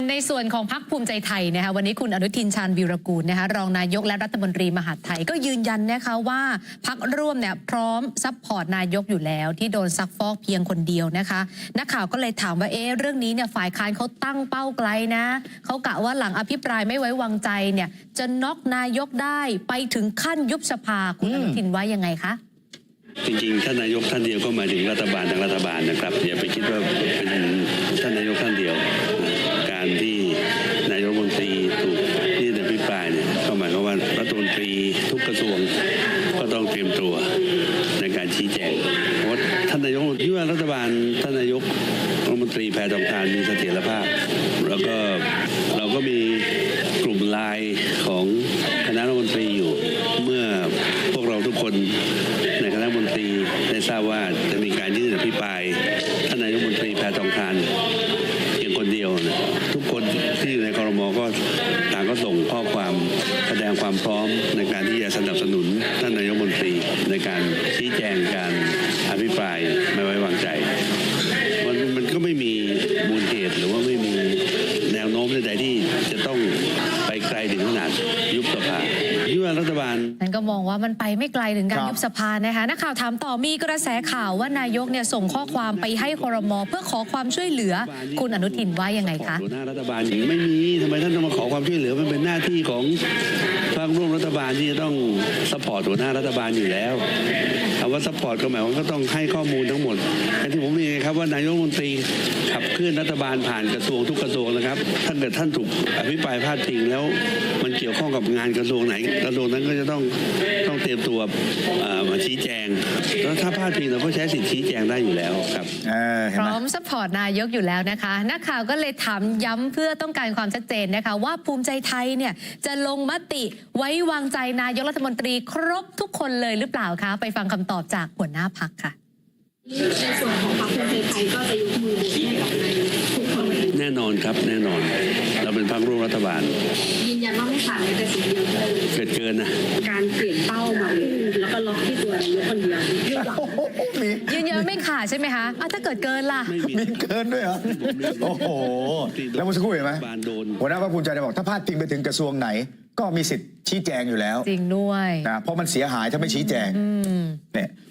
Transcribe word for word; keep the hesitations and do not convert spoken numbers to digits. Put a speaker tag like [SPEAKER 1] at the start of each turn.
[SPEAKER 1] ในส่วนของพรรคภูมิใจไทยนะคะวันนี้คุณอนุทินชาญวีรกูลนะคะรองนายกและรัฐมนตรีมหาดไทยก็ยืนยันนะคะว่าพรรคร่วมเนี่ยพร้อมซัพพอร์ตนายกอยู่แล้วที่โดนซักฟอกเพียงคนเดียวนะคะนักข่าวก็เลยถามว่าเอ๊ะเรื่องนี้เนี่ยฝ่ายค้านเขาตั้งเป้าไกลนะเขากะว่าหลังอภิปรายไม่ไว้วางใจเนี่ยจะน็อกนายกได้ไปถึงขั้นยุบสภาคุณอนุทินว่ายังไงคะ
[SPEAKER 2] จริงๆท่านนายกท่านเดียวก็หมายถึงรัฐบาลทางรัฐบาลนะครับอย่าไปคิดว่าเป็นท่านนายกท่านเดียวการที่นายกรัฐมนตรีถูกยื่นอภิปรายเนี่ยก็หมายความว่ารัฐมนตรีทุกกระทรวงก็ต้องเตรียมตัวในการชี้แจงเพราะท่านนายกที่ว่ารัฐบาลท่านนายกรัฐมนตรีแพทองทานมีเสถียรภาพแล้วก็เราก็มีกลุ่มไลน์ของคณะรัฐมนตรีอยู่เมื่อพวกเราทุกคนในคณะรัฐมนตรีได้ทราบว่าจะมีการยื่นอภิปรายท่านนายกรัฐมนตรีแพทองทานเพียงคนเดียวนะทุกคนที่อยู่ในครม.ก็ต่างก็ส่งข้อความแสดงความพร้อมในการที่จะสนับสนุนท่านนายกรัฐมนตรีในการชี้แจงการอภิปรายไม่ไว้วางใจมันมันก็ไม่มีมูลเหตุหรือว่าไม่มีแนวโน้มใดๆที่จะต้องไปไกลถึงขนาดยุบสภาที่ว่ารัฐบาล
[SPEAKER 1] นั่นก็มองว่ามันไปไม่ไกลถึงการยุบสภานะคะนักข่าวถามต่อมีกระแสข่าวว่านายกเนี่ยส่งข้อความไปให้ครม.เพื่อขอความช่วยเหลือคุณอนุทินว่ายังไงคะ
[SPEAKER 2] หัวหน้ารัฐบาลไม่มีทำไมท่านต้องมาขอความช่วยเหลือมันเป็นหน้าที่ของพรรคร่วมรัฐบาลที่จะต้องซัพพอร์ตหัวหน้ารัฐบาลอยู่แล้วคำว่าซัพพอร์ตก็หมายว่าก็ต้องให้ข้อมูลทั้งหมดอย่างที่ผมเรียนครับว่านายกรัฐมนตรีขับเคลื่อนรัฐบาลผ่านกระทรวงทุกกระทรวงนะครับถ้าเกิดท่านถูกอภิปรายพาดพิงแล้วมันเกี่ยวข้องกับงานกระทรวงไหนกระทรวงนั้นก็จะต้องต้องเตรียมตัวมาชี้แจงแล้วถ้าพาดพิงเราก็ใช้สิทธิชี้แจงได้อยู่แล้วครับ
[SPEAKER 1] พร้อมซัพพอร์ตนายกอยู่แล้วนะคะนักข่าวก็เลยถามย้ำเพื่อต้องการความชัดเจนนะคะว่าภูมิใจไทยเนี่ยจะลงมติไว้วางใจนายกรัฐมนตรีครบทุกคนเลยหรือเปล่าคะไปฟังคำตอบจากหัวหน้าพรรคค่ะ
[SPEAKER 3] ในส่วนของพรรคภูมิใจไทยก็จะยกมือให้กับนายกทุกคน
[SPEAKER 2] แน่นอนครับแน่นอนเราเป็นพรรคร่วมรัฐบาล
[SPEAKER 3] ยืนยันว่าไม่ขาดแม้แต่สิ่งเดียวเลย
[SPEAKER 2] เกิดเกินนะ
[SPEAKER 3] การเปลี่ยนเป้ามาแล้วก็ล็อกที่ตัวนายกคนเดียว
[SPEAKER 1] ยืนยันไม่ขาดใช่ไหมคะถ้าเกิดเกินล่ะ
[SPEAKER 4] มีเกินด้วยเหรอโอ้โหแล้วเมื่อสักครู่เห็นไหมหัวหน้าพรรคภูมิใจไทยบอกถ้าพลาดพิงไปถึงกระทรวงไหนก็มีสิทธิ์ชี้แจงอยู่แล้ว
[SPEAKER 1] จริงด้วย
[SPEAKER 4] นะเพราะมันเสียหายถ้าไม่ชี้แจงเนี่ย